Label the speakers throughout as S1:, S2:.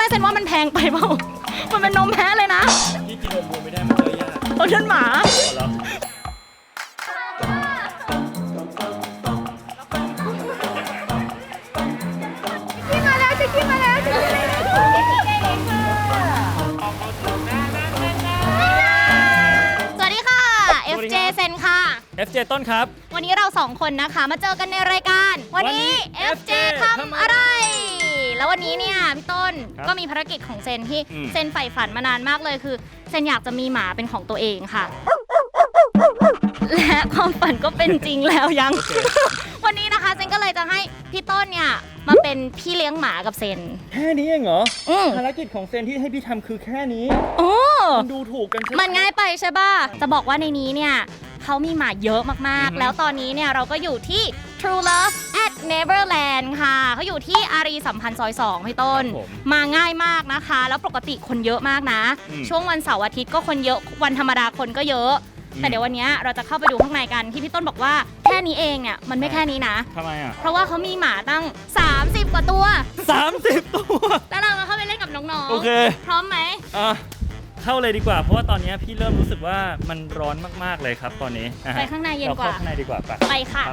S1: ไม่เซนว่ามันแพงไปเปล่ามันเป็นนมแพ้เลยนะ
S2: ที่กินนมวัวไม่ได้มันย่อยยาก
S1: เอาเดินหมา
S2: เหรอ
S1: ขึ้นมาแล้วสวัสดีค่ะ FJ เซนค่ะ
S2: FJ ต้นครับ
S1: วันนี้เรา2คนนะคะมาเจอกันในรายการวันนี้ FJ ทำอะไรแล้ววันนี้เนี่ยพี่ต้นก็มีภารกิจของเซนที่เซนใฝ่ฝันมานานมากเลยคือเซนอยากจะมีหมาเป็นของตัวเองค่ะและความฝันก็เป็นจริงแล้วยัง วันนี้นะคะเซนก็เลยจะให้พี่ต้นเนี่ยมาเป็นพี่เลี้ยงหมากับเซน
S2: แค่นี้เองเหรอภารกิจของเซนที่ให้พี่ทำคือแค่นี้
S1: โอ้
S2: มันดูถูกกันใช่ไหม
S1: มันง่ายไปใช่ป่ะจะบอกว่าในนี้เนี่ยเขามีหมาเยอะมากๆแล้วตอนนี้เนี่ยเราก็อยู่ที่ True Love at Neverland ค่ะเขาอยู่ที่อารีสัมพันธ์ซอย 2พี่ต้นมาง่ายมากนะคะแล้วปกติคนเยอะมากนะช่วงวันเสาร์อาทิตย์ก็คนเยอะวันธรรมดาคนก็เยอะแต่เดี๋ยววันนี้เราจะเข้าไปดูข้างในกันที่พี่ต้นบอกว่าแค่นี้เองเนี่ยมันไม่แค่นี้นะ
S2: ทำไมอ่ะ
S1: เพราะว่าเขามีหมาตั้ง30กว่าตัว
S2: 30ตัว
S1: แล้วเรามาเข้าไปเล่นกับน้องๆ
S2: โอเค
S1: พร้อมไหม
S2: เข้าเลยดีกว่าเพราะว่าตอนนี้พี่เริ่มรู้สึกว่ามันร้อนมากๆเลยครับตอนนี้
S1: ไปข้างในเย็นกว่า
S2: เราเข้าข้างในดีกว่า
S1: ไปค่ะ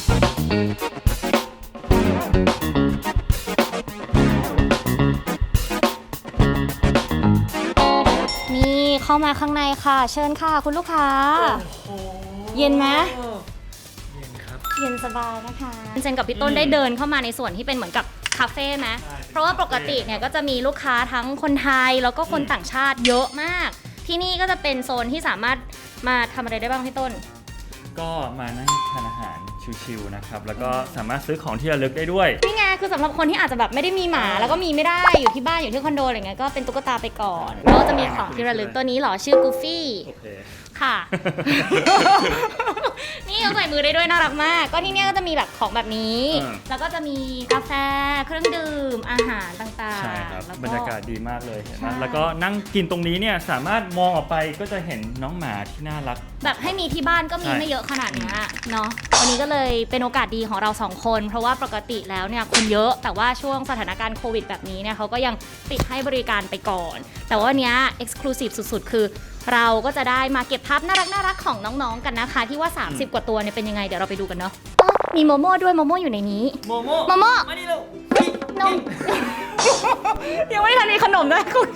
S1: นี่เข้ามาข้างในค่ะเชิญค่ะคุณลูกค้าเย็นไหม
S2: เย็นครับ
S1: เย็นสบายนะคะเซนกับพี่ต้นได้เดินเข้ามาในส่วนที่เป็นเหมือนกับคาเฟ่ไหมเพราะว่าปกติเนี่ยก็จะมีลูกค้าทั้งคนไทยแล้วก็คนต่างชาติเยอะมากที่นี่ก็จะเป็นโซนที่สามารถมาทำอะไรได้บ้างพี่ต้น
S2: ก็มานั่งทานอาหารชิลๆนะครับแล้วก็สามารถซื้อของที่ระลึกได้ด้วย
S1: นี่ไงคือสำหรับคนที่อาจจะแบบไม่ได้มีหมาแล้วก็มีไม่ได้อยู่ที่บ้านอยู่ที่คอนโดอะไรเงี้ยก็เป็นตุ๊กตาไปก่อนก็จะมีของที่ระลึกตัวนี้หรอชื่อกูฟี่ค่ะนี่เขาใส่มือได้ด้วยน่ารักมากก็ที่นี่ก็จะมีแบบของแบบนี้แล้วก็จะมีกาแฟเครื่องดื่มอาหารต่างๆ
S2: ใช่ครับบรรยากาศดีมากเลยเห็นไหมแล้วก็นั่งกินตรงนี้เนี่ยสามารถมองออกไปก็จะเห็นน้องหมาที่น่ารัก
S1: แบบให้มีที่บ้านก็มีไม่เยอะขนาดนี้เนาะวันนี้ก็เลยเป็นโอกาสดีของเรา2คนเพราะว่าปกติแล้วเนี่ยคนเยอะแต่ว่าช่วงสถานการณ์โควิดแบบนี้เนี่ยเขาก็ยังปิดให้บริการไปก่อนแต่ว่าเนี้ย exclusive สุดๆคือเราก็จะได้มาเก็บภาพน่ารักของน้องๆกันนะคะที่ว่า30กว่าตัวเนี่ยเป็นยังไงเดี๋ยวเราไปดูกันเนาะมีโมโม่ด้วยโมโม่อยู่ในนี้
S2: โมโ
S1: ม่
S2: มาดิลูก
S1: นมยังไม่ทันมีขนมเลยคุณ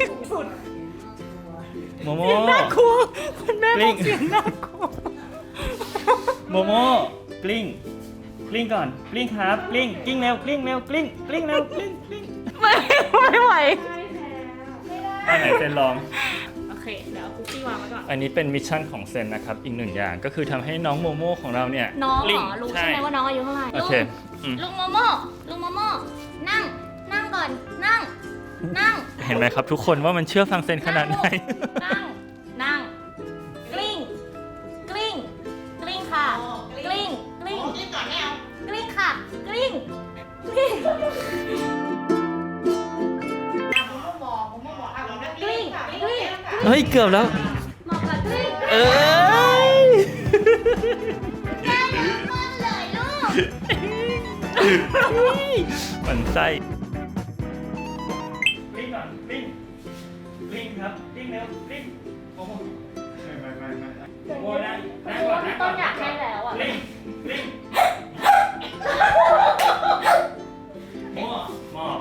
S2: โมโม่
S1: น่ากลัวคุณแม่บอกเสียงน่ากลัว
S2: โมโม่กลิ้งก่อนกลิ้งครับกลิ้งเร็วกลิ้งเร็วกลิ้งเร็วกลิ้ง
S1: ไม่ไหว
S2: อันไหนเซนลอง
S1: โอเคเดี๋ยวคุกกี้วางไว้ก่อน
S2: อันนี้เป็นมิชชั่นของเซนนะครับอีก1อย่างก็คือทำให้น้องโมโม่ของเราเนี่ย
S1: น้องเหรอรู้ใช่ไหมว่าน้องอายุเท่าไหร่
S2: โอเค
S1: ลุงโมโม่นั่งก่อนนั่ง
S2: เห็นไหมครับทุกคนว่ามันเชื่อฟังเซนขนาดไหน
S1: นั่งกลิ้งค่ะกลิ้งก่อนไม่เอากลิ้งค่ะกลิ้ง
S2: เฮ้ยเกือบแล้ว
S1: เหมาะกับกลิ้ง
S2: แก้น้ำมันเลยลูกมันไส้กลิ้งก่อนกลิ้งครับกลิ้งเร็วกลิ้งโอ้โหไม่โอ้นะก่อนนะ
S1: ต้นอยากให้แล้วอ่ะ
S2: กลิ้งมอบ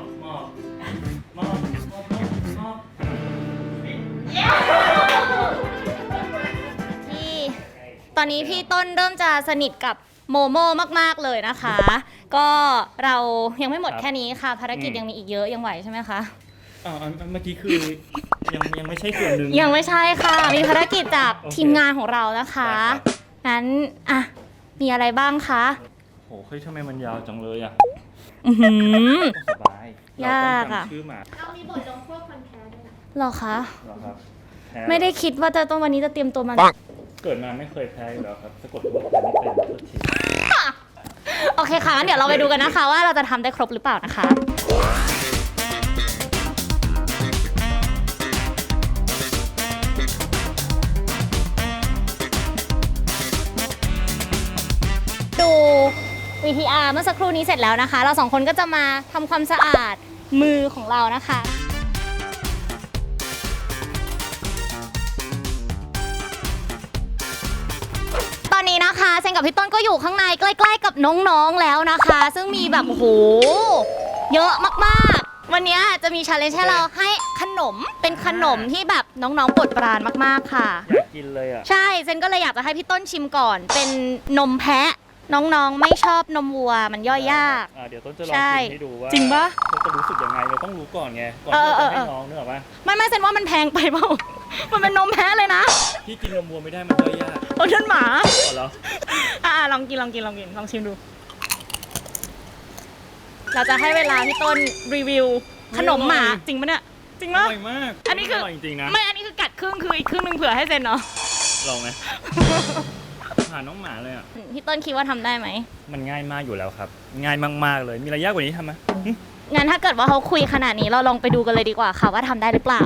S1: ตอนนี้พี่ต้นเริ่มจะสนิทกับโมโม่มากๆเลยนะคะก็เรายังไม่หมดแค่นี้ค่ะภารกิจยังมีอีกเยอะยังไหวใช่ไหมคะ
S2: เมื่อกี้คือยังไม่ใช่ส่วนหนึ่ง
S1: ยังไม่ใช่ค่ะมีภารกิจจากทีมงานของเรานะคะงั้นมีอะไรบ้างคะ
S2: โหเฮ้ยทำไมมันยาวจังเลยสบาย
S1: ยากอ่ะ
S3: เรามีบทลงโทษคนแพ้ด้วยนะ
S1: หรอคะไม่ได้คิดว่าจะต้องวันนี้จะเตรียมตัวมา
S2: เกิดมาไม่เคยแพ้อยู่แล้วครับสะกดว่าแพ้ไม่เป็นทุกที
S1: โอเคค่ะงั้นเดี๋ยวเราไปดูกันนะคะว่าเราจะทำได้ครบหรือเปล่านะคะดู VTR เมื่อสักครู่นี้เสร็จแล้วนะคะเรา2คนก็จะมาทำความสะอาดมือของเรานะคะนี้นะคะเซนกับพี่ต้นก็อยู่ข้างในใกล้ๆกับน้องๆแล้วนะคะ ซึ่งมีแบบโอ้โหเยอะมากๆวันนี้จะมีชาเลนจ์ให้เราให้ขนมเป็นขนมที่แบบน้องๆโปรดปรานมากๆค่ะ
S2: อยากกินเลยอ่ะ
S1: ใช่เซนก็เลยอยากจะให้พี่ต้นชิมก่อนเป็นนมแพะน้องๆไม่ชอบนมวัวมันย่อยยาก
S2: เดี๋ยวต้นจะลอง
S1: ใช่
S2: ชิมให้ดูว่า
S1: จริงปะ
S2: เขาจะรู้สึกยังไงเราต้องรู้ก่อนไงก่อนที่จะให้น้องนึกออกปะ
S1: ไม่เซนว่ามันแพงไปเปล่า มันเป็นนมแพะเลยนะ
S2: พี่กินนมวัวไม่ได้มันย่อยยาก
S1: โอ้นั่นหมา
S2: อ๋อเหรอ
S1: ลองกินลองชิมดู เราจะให้เวลาพี่ต้นรีวิวขนมหมาจริงปะเนี่ยจริง
S2: อ
S1: ปะ
S2: ร่อยมาก
S1: อันนี้คือ
S2: ร่อยจริงๆนะ
S1: ไม่อันนี้คือกัดครึ่งคืออีกครึ่งหนึงเผื่อให้เซนเนาะ
S2: ลองไหมหาน้องหมาเลยอ่ะ
S1: พี่ต้นคิดว่าทำได้ไหม
S2: มันง่ายมากอยู่แล้วครับ ง่ายมากๆเลยมีอะไรยากกว่านี้ทำไหม
S1: งั้นถ้าเกิดว่าเขาคุยขนาดนี้เราลองไปดูกันเลยดีกว่าค่ะว่าทำได้หรือเปล่า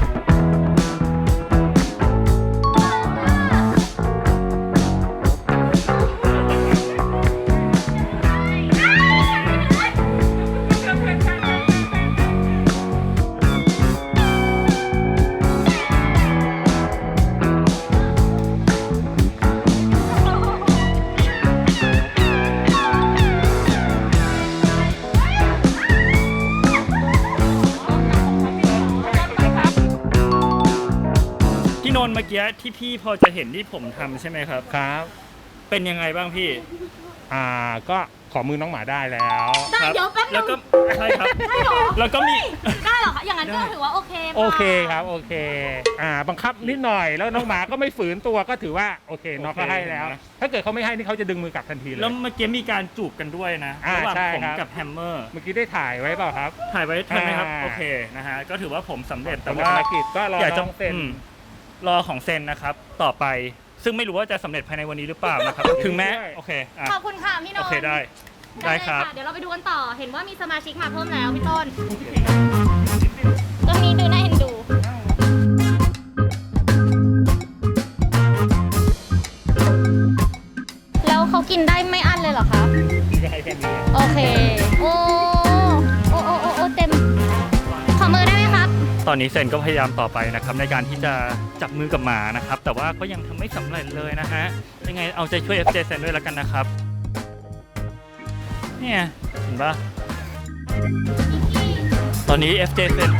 S2: พี่นนท์เมื่อกี้ที่พี่พอจะเห็นที่ผมทำใช่ไหมครับ
S4: ครับ
S2: เป็นยังไงบ้างพี่
S4: ก็ขอมือน้องหมาได้แล้ว
S1: ได้
S2: ครับ
S1: เดี๋ยวแป๊บนึ
S2: แล้ว
S1: ง
S2: ก็ใช่ครับ
S1: ได้เหรอ
S2: แล้วก็มี
S1: ได้เหรอคะอย่างนั้นก็ถือว่าโอเคป่ะ
S4: โอเคครับ โอเค บังคับนิดหน่อย แล้วน้องหมาก็ไม่ฝืนตัวก็ถือว่าโอเคน้องก็ให้แล้ว ถ้าเกิดเขาไม่ให้นี่เขาจะดึงมือกลับทันทีเลย
S2: แล้วเมื่อกี้มีการจูบกันด้วยนะ
S4: อ่า
S2: ระหว่าง
S4: ใช่
S2: ผม
S4: ครับ
S2: กับแฮมเมอร์
S4: เมื่อกี้ได้ถ่ายไว้เปล่าครับ
S2: ถ่ายไว้ทันไหมครับ
S4: อ่า
S2: โอเคนะฮะก็ถือว่าผมสำเร็จแต่
S4: แต่
S2: ว่า
S4: ภารกิจก็รอ
S2: อยากจะ
S4: น้องเซ็น
S2: รอของเซนนะครับ ต่อไปซึ่งไม่รู้ว่าจะสำเร็จภายในวันนี้หรือเปล่านะครับ ถึงแม้โอเคอ่ะ
S1: ขอบคุณค่ะพี่นน
S2: โอ
S1: ท์
S2: เคได้ได้ครับ
S1: เดี๋ยวเราไปดูกันต่อ เห็นว่ามีสมาชิกมาเพิ่มแล้วพี่ต้นตรงนี้ดูน่าเอ็นดู แล้วเขากินได้ไม่อั้นเลยเหรอคะ
S4: ได้แค่นี้
S1: โอเค โอ้เต็ม ขอมือได้ไหมครับ
S2: ตอนนี้เซนก็พยายามต่อไปนะครับในการที่จะจับมือกับหมานะครับ แต่ว่าก็ยังทำไม่สำเร็จเลยนะฮะยังไงเอาใจช่วย FJ เซนด้วยแล้วกันนะครับเนี่ยเห็นปะตอนนี้ FJ เซน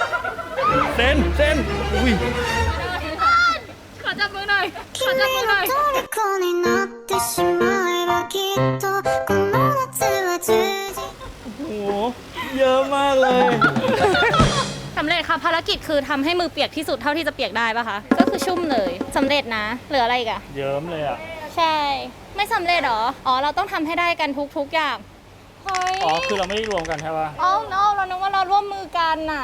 S2: อุ้ย
S1: ขอจับมือหน่อย ขอจับมือหน่อย
S5: 虜になってしまえばきっとこの夏は充実
S2: โอ้โหเยอะมากเลย
S1: สำเร็จค่ะภารกิจคือทำให้มือเปียกที่สุดเท่าที่จะเปียกได้ปะคะ ก็คือชุ่มเลยสำเร็จนะเหลืออะไรอีกอะ
S2: เยิ้มเลยอ่ะ
S1: ใช่ ไม่สำเร็จเหรอ อ๋อ เราต้องทำให้ได้กันทุกอย่าง เฮ้ย
S2: อ๋อคือเราไม่ได้รวมกันใช่ปะ
S1: อ๋อ no เรานึกว่าเราร่วมมือกันน่ะ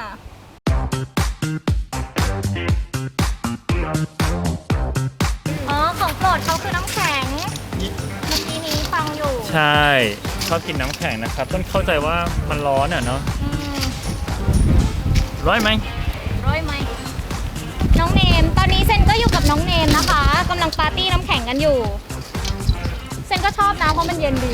S1: อ๋อ ของโปรดเขาคือน้ำแข็ง เมื่อกี้นี้ฟังอยู่
S2: ใช่ชอบกินน้ำแข็งนะครับต้นเข้าใจว่ามันร้อนอ่ะเนาะ
S1: อืม
S2: ร้อยไหม
S1: ร้อยไหม น้องเนม ตอนนี้เซนก็อยู่กับน้องเนมนะคะกำลังปาร์ตี้น้ำแข็งกันอยู่ เซนก็ชอบนะเพราะมันเย็นดี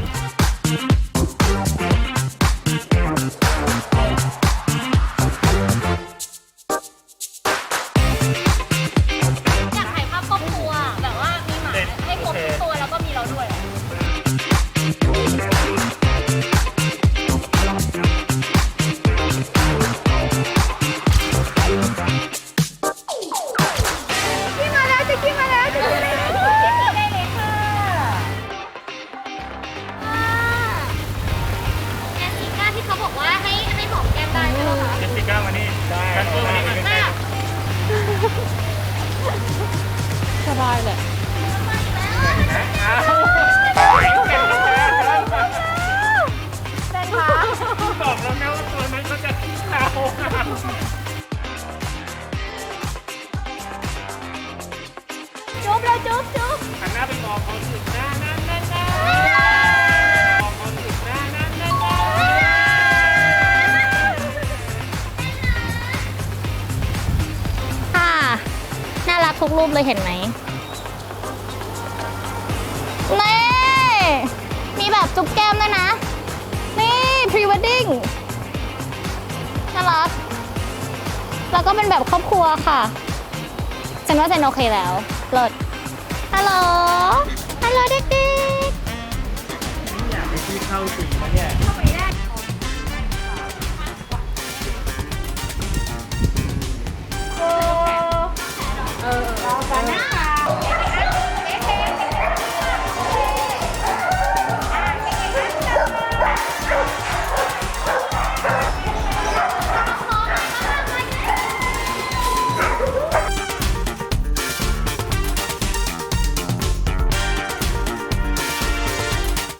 S1: อยากถ่ายภาพครอบครัวแบบว่ามีหมาให้ครบทุกตัวแล้วก็มีเราด้วย พี่มาแล้วจะกินมาแล้วจะกินมาแล้วได้เลยค่ะแอนติก้าที่เขาบอกว่าให้หอมแก้มได้ใช่ไหมคะ
S2: เจสสิก้ามานี่ได้กันเพิ่มมานี่มา
S1: น่าสบายเลย เต้นค่ะ
S4: บอกแล้วนะว่าตัวนั้นเขาจะขี้เถ้า
S1: จุ๊บเลยจุ๊บ
S4: หันหน้าไปมองเขาสิหน้ามองเขาสิหน้า
S1: ค่ะ น่ารักทุกรูปเลยเห็นไหมเน่มีแบบจุ๊บแก้มด้วยนะ นี่ pre wedding น่ารัก แล้วก็เป็นแบบครอบครัวค่ะฉันว่าเซนโอเคแล้วเลิศฮัลโหล ฮัลโหลเด็ก
S2: อยากให้พี่เข้าจริงนะเนี่ย
S1: ๆ